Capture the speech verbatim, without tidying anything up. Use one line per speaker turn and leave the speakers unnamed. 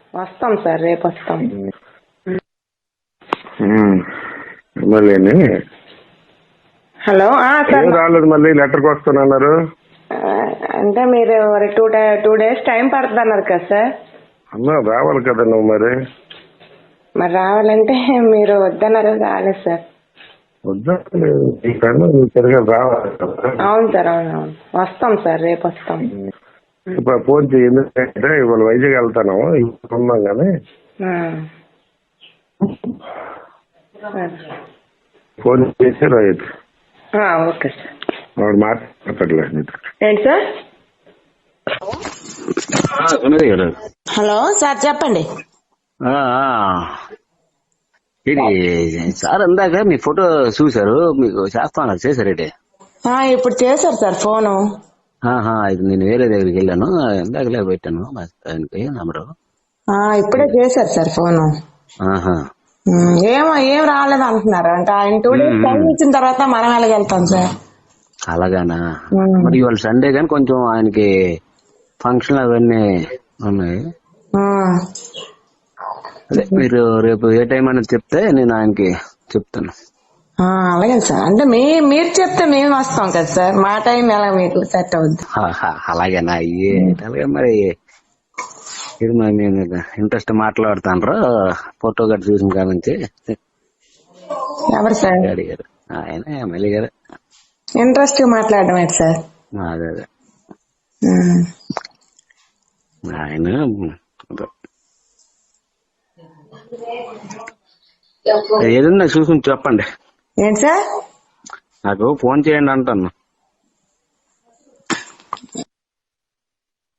వస్తాం సార్, రేపు వస్తాం.
మళ్ళీ
హలో సార్,
రాలేదు, మళ్ళీ లెటర్కి వస్తానన్నారు.
అంటే మీరు టూ టూ డేస్ టైం పడుతుంది అన్నారు కదా సార్.
అన్నా రావాలి కదా నువ్వు. మరి
మరి రావాలంటే మీరు వద్దన్నారు, రాలేదు సార్.
వద్దా తిరగా రావాలి కదా.
అవును సార్, అవును అవును వస్తాం సార్, రేపు వస్తాం.
ఇప్పుడు ఫోన్ చేయి, ఎందుకంటే ఇవాళ వైజాగ్ వెళ్తాను, ఇప్పుడు ఉన్నాం కానీ ఫోన్ చేసి రైతు
ఓకే సార్.
వాడు మాట్లాడలేదు.
ఏంటి సార్? హలో సార్, చెప్పండి.
ఇది సార్ అందాక మీ ఫోటో చూసారు, మీకు చేస్తాను చేశారేంటి?
ఇప్పుడు చేశారు సార్ ఫోను.
ఇది నేను వేరే దగ్గరికి వెళ్ళాను, ఇందాకలే పెట్టాను ఆయనకి నంబరు.
ఇప్పుడే చేశారు సార్ ఫోను. ఏమో ఏం రాలేదు అంటున్నారు. అంటే ఆయన టూ డేస్ టైం ఇచ్చిన తర్వాత మనం ఎలాగెళ్తాం సార్?
అలాగానా? మరి ఇవాళ సండే కానీ కొంచెం ఆయనకి ఫంక్షన్ అవన్నీ ఉన్నాయి. అదే మీరు రేపు ఏ టైం అనేది చెప్తే నేను ఆయనకి చెప్తాను.
అలాగే సార్. అంటే మీ మీరు చెప్తే మేము వస్తాం కదా సార్, మా టైం ఎలా మీకు సెట్ అవుద్ది?
అలాగేనా? అలాగే మరి ఇది మేము ఇంట్రెస్ట్ మాట్లాడుతాను. ఫోటో గట్ట చూసిన కాడ నుంచి.
ఎవరు సార్?
అడిగారు ఆయన ఎమ్మెల్యే గారు.
ఇంట్రెస్ట్ మాట్లాడడం ఏంటి సార్?
అదే అదే ఆయన ఏదన్నా చూసుకుని చెప్పండి.
ఏంటి సార్?
నాకు ఫోన్ చేయండి అంటాను.